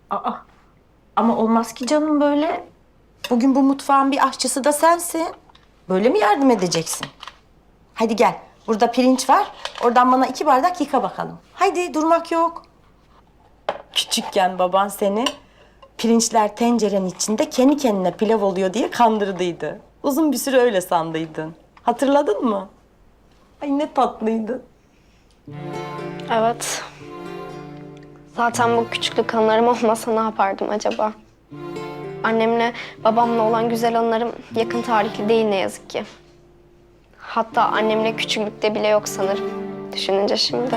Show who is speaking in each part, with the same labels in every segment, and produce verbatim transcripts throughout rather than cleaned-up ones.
Speaker 1: Aa, ama olmaz ki canım böyle. Bugün bu mutfağın bir aşçısı da sensin. Böyle mi yardım edeceksin? Hadi gel. Burada pirinç var. Oradan bana iki bardak yıka bakalım. Haydi durmak yok. Küçükken baban seni pirinçler tencerenin içinde kendi kendine pilav oluyor diye kandırdıydı. Uzun bir süre öyle sandıydın. Hatırladın mı? Ay ne tatlıydın.
Speaker 2: Evet. Zaten bu küçüklük anılarım olmasa ne yapardım acaba? Annemle babamla olan güzel anılarım yakın tarihli değil ne yazık ki. Hatta annemle küçüklükte bile yok sanırım. Düşününce şimdi.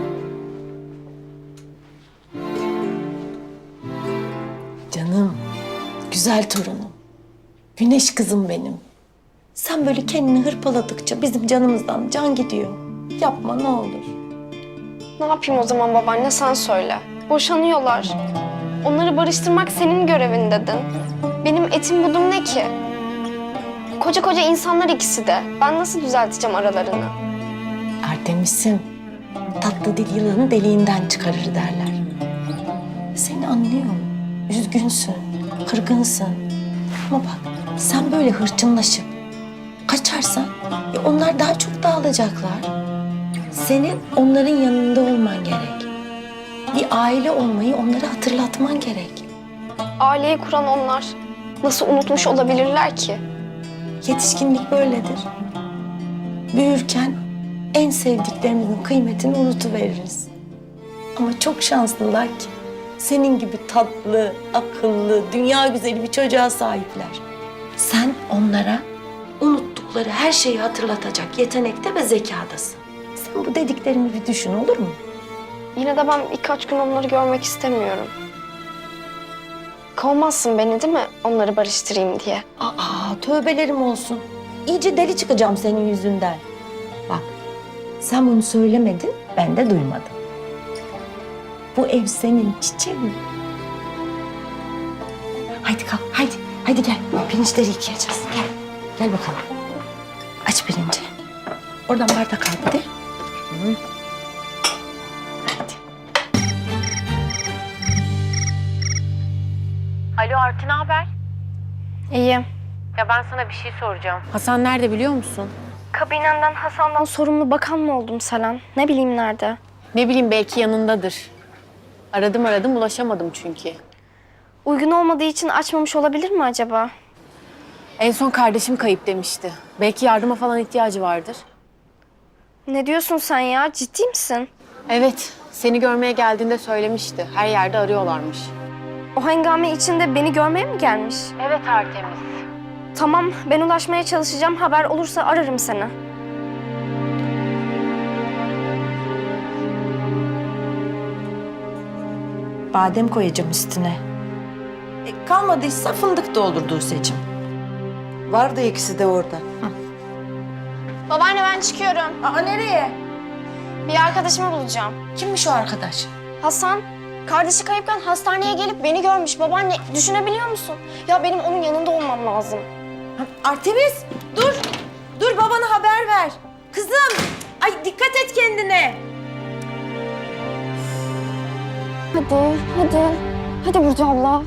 Speaker 1: Canım, güzel torunum. Güneş kızım benim. Sen böyle kendini hırpaladıkça bizim canımızdan can gidiyor. Yapma ne olur.
Speaker 2: Ne yapayım o zaman babaanne sen söyle. Boşanıyorlar. Onları barıştırmak senin görevin dedin. Benim etim budum ne ki? Koca koca insanlar ikisi de. Ben nasıl düzelteceğim aralarını?
Speaker 1: Artemis'im, tatlı dil yılanı deliğinden çıkarır derler. Seni anlıyorum. Üzgünsün, kırgınsın. Ama bak sen böyle hırçınlaşıp kaçarsan ya onlar daha çok dağılacaklar. Senin onların yanında olman gerek. Bir aile olmayı onlara hatırlatman gerek.
Speaker 2: Aileyi kuran onlar. Nasıl unutmuş olabilirler ki?
Speaker 1: Yetişkinlik böyledir. Büyürken en sevdiklerimizin kıymetini unutuveririz. Ama çok şanslılar ki senin gibi tatlı, akıllı, dünya güzeli bir çocuğa sahipler. Sen onlara unuttukları her şeyi hatırlatacak yetenekte ve zekadasın. Sen bu dediklerimi bir düşün olur mu?
Speaker 2: Yine de ben birkaç gün onları görmek istemiyorum. Kovmazsın beni değil mi onları barıştırayım diye?
Speaker 1: Aa, tövbelerim olsun. İyice deli çıkacağım senin yüzünden. Bak, sen bunu söylemedin, ben de duymadım. Bu ev senin çiçeğin. Haydi kalk, haydi. Haydi gel, pirinçleri yıkayacağız. Gel, gel bakalım. Aç pirinci. Oradan bardak al bir de. Hı. Hadi.
Speaker 3: Alo Arti, ne haber?
Speaker 2: İyiyim.
Speaker 3: Ya ben sana bir şey soracağım.
Speaker 4: Hasan nerede biliyor musun?
Speaker 2: Kabinenden Hasan'dan sorumlu bakan mı oldum Selen? Ne bileyim nerede?
Speaker 4: Ne bileyim belki yanındadır. Aradım aradım ulaşamadım çünkü.
Speaker 2: Uygun olmadığı için açmamış olabilir mi acaba?
Speaker 4: En son kardeşim kayıp demişti. Belki yardıma falan ihtiyacı vardır.
Speaker 2: Ne diyorsun sen ya? Ciddi misin?
Speaker 4: Evet, seni görmeye geldiğinde söylemişti. Her yerde arıyorlarmış.
Speaker 2: O hengame içinde beni görmeye mi gelmiş?
Speaker 3: Evet Artemis.
Speaker 2: Tamam, ben ulaşmaya çalışacağım. Haber olursa ararım seni.
Speaker 1: Badem koyacağım üstüne. E, kalmadıysa fındık da olur Duse'cim.
Speaker 5: Vardı ikisi de orada.
Speaker 2: Babaanne ben çıkıyorum.
Speaker 1: Aa nereye?
Speaker 2: Bir arkadaşımı bulacağım.
Speaker 1: Kimmiş o arkadaş?
Speaker 2: Hasan, kardeşi kayıpken hastaneye gelip beni görmüş. Babaanne düşünebiliyor musun? Ya benim onun yanında olmam lazım.
Speaker 1: Artemis dur. Dur babana haber ver. Kızım ay dikkat et kendine.
Speaker 2: Hadi, hadi. Hadi Burcu abla.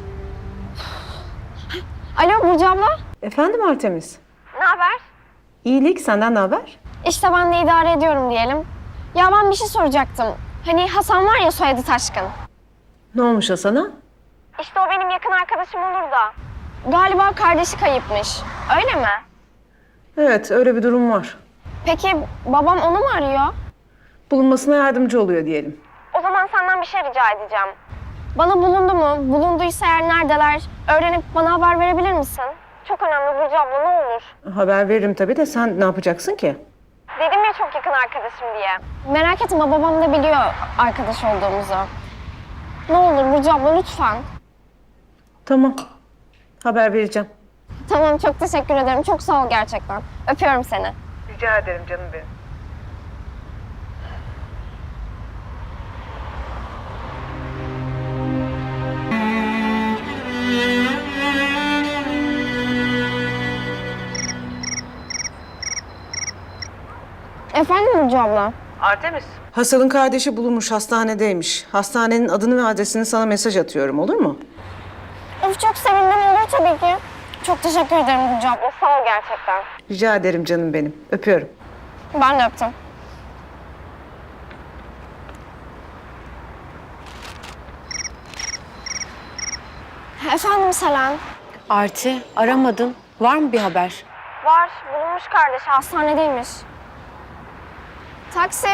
Speaker 2: Alo Burcu abla.
Speaker 6: Efendim Artemis?
Speaker 2: Ne haber?
Speaker 6: İyilik, senden ne haber?
Speaker 2: İşte ben de idare ediyorum diyelim. Ya ben bir şey soracaktım. Hani Hasan var ya soyadı Taşkın.
Speaker 6: Ne olmuş Hasan'a?
Speaker 2: İşte o benim yakın arkadaşım olur da. Galiba kardeşi kayıpmış. Öyle mi?
Speaker 6: Evet, öyle bir durum var.
Speaker 2: Peki babam onu mu arıyor?
Speaker 6: Bulunmasına yardımcı oluyor diyelim.
Speaker 2: O zaman senden bir şey rica edeceğim. Bana bulundu mu? Bulunduysa eğer neredeler? Öğrenip bana haber verebilir misin? Çok önemli Burcu abla ne olur.
Speaker 6: Haber veririm tabii de sen ne yapacaksın ki?
Speaker 2: Dedim ya çok yakın arkadaşım diye. Merak etme babam da biliyor arkadaş olduğumuzu. Ne olur Burcu abla lütfen.
Speaker 6: Tamam, haber vereceğim.
Speaker 2: Tamam çok teşekkür ederim. Çok sağ ol gerçekten. Öpüyorum seni.
Speaker 6: Rica ederim canım benim.
Speaker 2: Efendim Burcu abla?
Speaker 6: Artemis. Hasan'ın kardeşi bulunmuş, hastanedeymiş. Hastanenin adını ve adresini sana mesaj atıyorum, olur mu?
Speaker 2: Of çok sevindim olur tabii ki. Çok teşekkür ederim Gülce abla. Sağ ol gerçekten.
Speaker 6: Rica ederim canım benim. Öpüyorum.
Speaker 2: Ben de öptüm. Efendim Selen.
Speaker 4: Arti, aramadın. Var mı bir haber?
Speaker 2: Var. Bulunmuş kardeşi. Hastanedeymiş. Taksi.